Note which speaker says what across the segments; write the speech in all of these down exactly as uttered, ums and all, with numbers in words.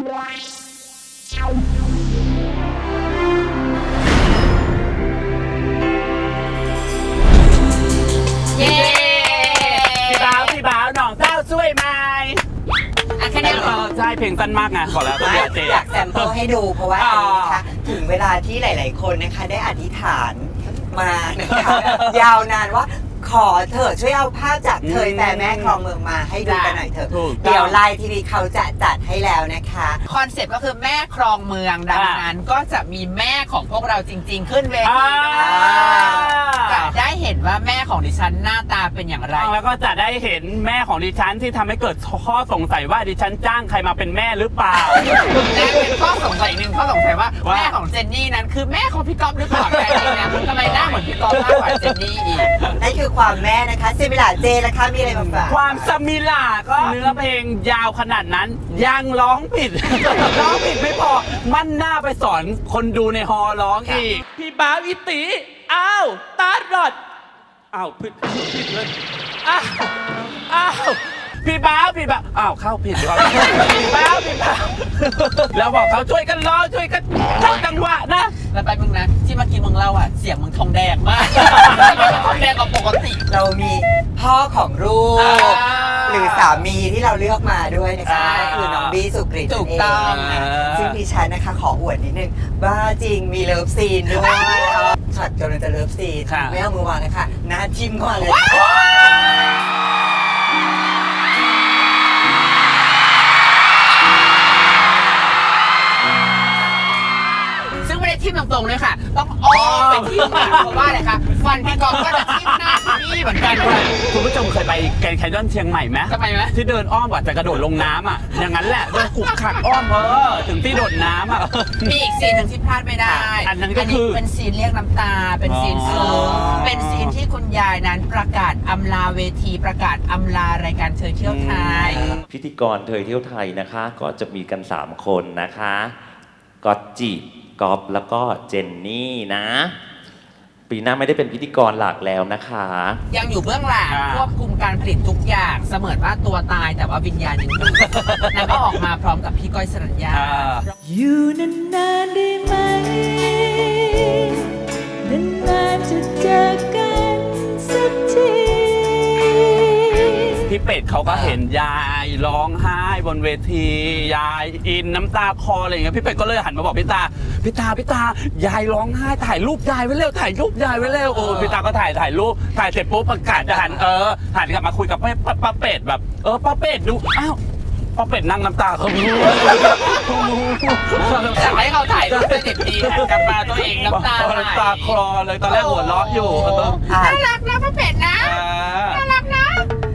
Speaker 1: พี่บ้าวพี่บ้าวน้องเจ้าช่วยไหม
Speaker 2: อ่ะแค่นี้เหรอ
Speaker 1: ใช่เพลงสั้นมากไงขอแล้วก็เจ๊
Speaker 3: อยากแซมเปิลให้ดูเพราะว่าอันนี้นะคะถึงเวลาที่หลาย ๆ คนนะคะได้อธิษฐานมานะคะยาวนานว่าขอเถอะช่วยเอาภาพจากเธอแต่แม่คลองเมืองมาให้ดูกันหน่อยเถอะเดี๋ยวไลน์ทีวีเขาจะจัดให้แล้วนะคะ
Speaker 2: คอนเซ็ปต์ก็คือแม่ครองเมืองดังนั้นก็จะมีแม่ของพวกเราจริง ๆ ขึ้นเวทีจะได้เห็นว่าแม่ของดิฉันหน้าตาเป็นอย่างไร
Speaker 1: แล้วก็จะได้เห็นแม่ของดิฉันที่ทำให้เกิดข้อสงสัยว่าดิฉันจ้างใครมาเป็นแม่หรือเปล่า
Speaker 2: และเป็นข้อสงสัยหนึ่งข้อสงสัยว่าแม่ของเจนนี่นั้นคือแม่ของพี่ก๊อฟหรือเปล่าแต่จริงนะทำไมหน้าเหมือนพี่ก๊อฟมากกว่าเจนนี่อีก
Speaker 3: นั่นคือความแม่นะคะซิมิลาเจล่ะคะมีอะไรมาฝาก
Speaker 1: ความสมิลาก็เนื้อเพลงยาวขนาดนั้นยังร้องผิดร้องผิดไม่พอมันหน้าไปสอนคนดูในฮอร้องอีกพี่บ้าวอิติอ้าวตาดอดอ้าวผิดผิดเลยอ้าวอ้าวพี่บ้าวพี่บ้าวอ้าวเข้าผิดดีกว่าพี่บ้าวพี่บ้าวแล้วบอกเขาช่วยกันร้องช่วยกันเข้าจังหวะนะ
Speaker 2: แล้วไปมึงนะที่เมื่อกี้มึงเล่าอ่ะเสียงมึงทองแดงมากทองแดงกว่าปกติ
Speaker 3: เรามีพ่อของลูกหรือสามีที่เราเลือกมาด้วยนะคะคือน้องบี้สุกฤต
Speaker 2: ถูกต้อง
Speaker 3: ซึ่งดิฉันนะคะขออวดนิดนึงบ้าจริงมีเลิฟซีนด้วยช็อตกำลังจะเลิฟซีนไม่เอามือวางเลยค่ะหน้าทิ่มก่อนเลย
Speaker 2: ทิ่มตรงๆเลยค่ะต้องอ้อมไปทิ่มเพราะว่าอะไรคะฟันพี่กอล์ฟก็จะทิ่มหน้าพี่เหมือนกันเลย
Speaker 1: คุณผู้ชมเคยไปแกรนด์แคนยอนเชียงใหม่ไหม
Speaker 2: ทำไมไหม
Speaker 1: ที่เดินอ้อมกว่าจะกระโดดลงน้ำอ่ะอย่างนั้นแหละเดินขุกขักอ้อมเออถึงที่โดดน้ำอ่ะ
Speaker 2: มีอีกซีนหนึ่งที่พลาดไม่ได้
Speaker 1: อันนั้นก็คือ
Speaker 2: เป็นซีนเรียกน้ำตาเป็นซีนซึ้งเป็นซีนที่คุณยายนั้นประกาศอำลาเวทีประกาศอำลารายการเธอเที่ยวไทย
Speaker 4: พิธีกรเธอเที่ยวไทยนะคะก็จะมีกันสามคนนะคะก็จีบก๊อฟแล้วก็เจนนี่นะปีหน้าไม่ได้เป็นพิธีกรหลักแล้วนะคะ
Speaker 2: ยังอยู่เบื้องหลังควบคุมการผลิตทุกอย่างเสมือนว่าตัวตายแต่ว่าวิญญาณยังอยู่แล้วก็ออกมาพร้อมกับพี่ก้อยสรัญญา
Speaker 5: อยู่นานๆได้ไหมนานๆจะเจอกันสักที
Speaker 1: พี่เป็ดเขาก็เห็นยายร้องไห้บนเวทียายอินน้ำตาคลออะไรอย่างเงี้ยพี่เป็ดก็เลยหันมาบอกพี่ตาพี่ตาพี่ตายายร้องไห้ถ่ายรูปยายไว้เร็วถ่ายรูปยายไว้เร็วโอ้พี่ตาก็ถ่ายถ่ายรูปถ่ายเสร็จปุ๊บประกาศจะหันเออหันกลับมาคุยกับป้าเป็ดแบบเออป้าเป็ดดูอ้าวป้าเป็ดนั่งน้ำตาเขารู้
Speaker 2: อยากให้เขาถ่ายรูปเป็นเด็กดีหันกลับมาตัวเองน้ำตาไหล
Speaker 1: น้ำตาคลอเลยตอนแรกหัวเราะอยู่
Speaker 2: น่ารักนะป้าเป็ดนะน่ารักนะ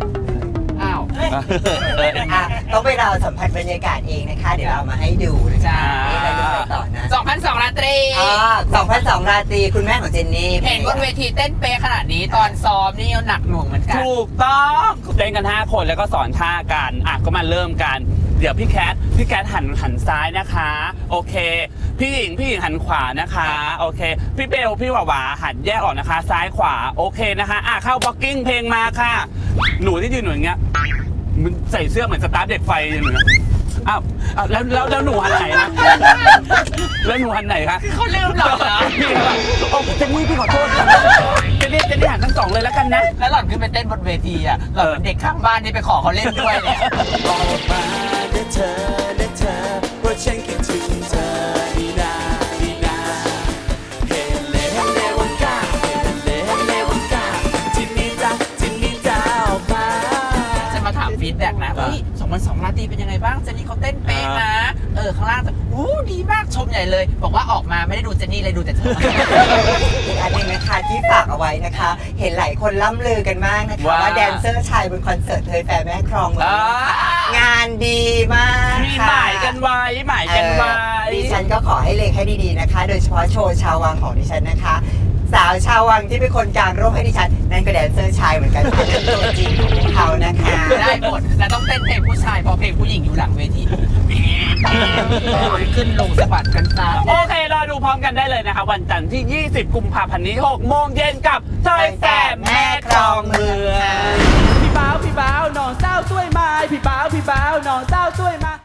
Speaker 3: ต้องไปเราสัมผัสบรรยากาศเองนะคะเดี๋ยวเรามาให้ดูนะคะเราจะไปต่อนะ
Speaker 2: สองพันสองราตรี
Speaker 3: สองพันสองราตรีคุณแม่ของเจนนี่
Speaker 2: เห็นบนเวทีเต้นเป๊ะขนาดนี้ตอนซ้อมนี่หนักหน่วงเหมือนกัน
Speaker 1: ถูกต้องเต้นกันห้าคนแล้วก็สอนท่ากันอ่ะก็มาเริ่มกันเดี๋ยวพี่แคทพี่แคทหันหันซ้ายนะคะโอเคพี่หญิงพี่หญิงหันขวานะคะโอเคพี่เบลพี่หวาหวาหันแยกออกนะคะซ้ายขวาโอเคนะคะอ่ะเข้าบ็อกกิ้งเพลงมาค่ะหนูที่ยืนหนูอย่างเงี้ยมันใส่เสื้อเหมือนสตาร์ทเด็กไฟอย่างเงี้ยอ้าวแล้วแล้วแล้วหนูหันไหนนะแล้วหนูหันไหนคะ
Speaker 2: เขาลืมหล่อนเหรอ
Speaker 1: พี่แบบโอ้เจนนี่พี่ขอโทษเจนนี่เจนนี่หันทั้งสองเลยแล้วกันนะ
Speaker 2: แล้วหล่อนขึ้นไปเต้นบนเวทีอ่ะหล่อนเป็นเด็กข้างบ้านที่ไปขอเขาเล่นด้วยเนี่ย
Speaker 5: ออกมาเด้อเธอเด้อเธอเพราะฉันคิดถึงเธอดีนาดีนาเฮเลเฮเลวันกาเฮเลเฮเลวันกาจินนี่จ้าจินนี่จ้าออกมา
Speaker 2: จะมาถามฟีดแบ็กนะเฮ้ยสองพันสองราตรีเป็นยังไงบ้างเจนนี่เขาเต้นเป๊ะนะเออข้างล่างแต่อู้ดีมากชมใหญ่เลยบอกว่าออกมาไม่ได้ดูเจนนี่เลยดูแต่เธอ
Speaker 3: อีกอันหนึ่งนะคะที่ฝากเอาไว้นะคะเห็นหลายคนล่ำลือกันมากนะคะว่าแดนเซอร์ชายบนคอนเสิร์ตเธอแฟร์แม่ครองเมืองงานดีมาก
Speaker 1: มีหมายกันไว้หมายกันไว้
Speaker 3: ดิฉันก็ขอให้เล็งให้ดีๆนะคะโดยเฉพาะโชว์ชาววังของดิฉันนะคะสาวชาววังที่เป็นคนกลางร่มให้ดิฉันนั่นก็แดนเซอร์ชายเหมือนกันเป็นตัวจริงของเขานะคะ
Speaker 2: ได้หมดและต้องเต้นเพลงผู้ชายเพราะเพลงผู้หญิงอยู่หลังเวทีขึ้นลงสะบัดกันตา
Speaker 1: โอเครอดูพร้อมกันได้เลยนะคะวันจันทร์ที่ยี่สิบกุมภาพันธ์นี้หกโมงเย็นกับซอยแสบแม่ครองเมืองพี่บ้าวพี่บ้าวน้องเจ้าช่วยมาพี่บ้าวพี่บ้าวน้องเจ้าช่วยมา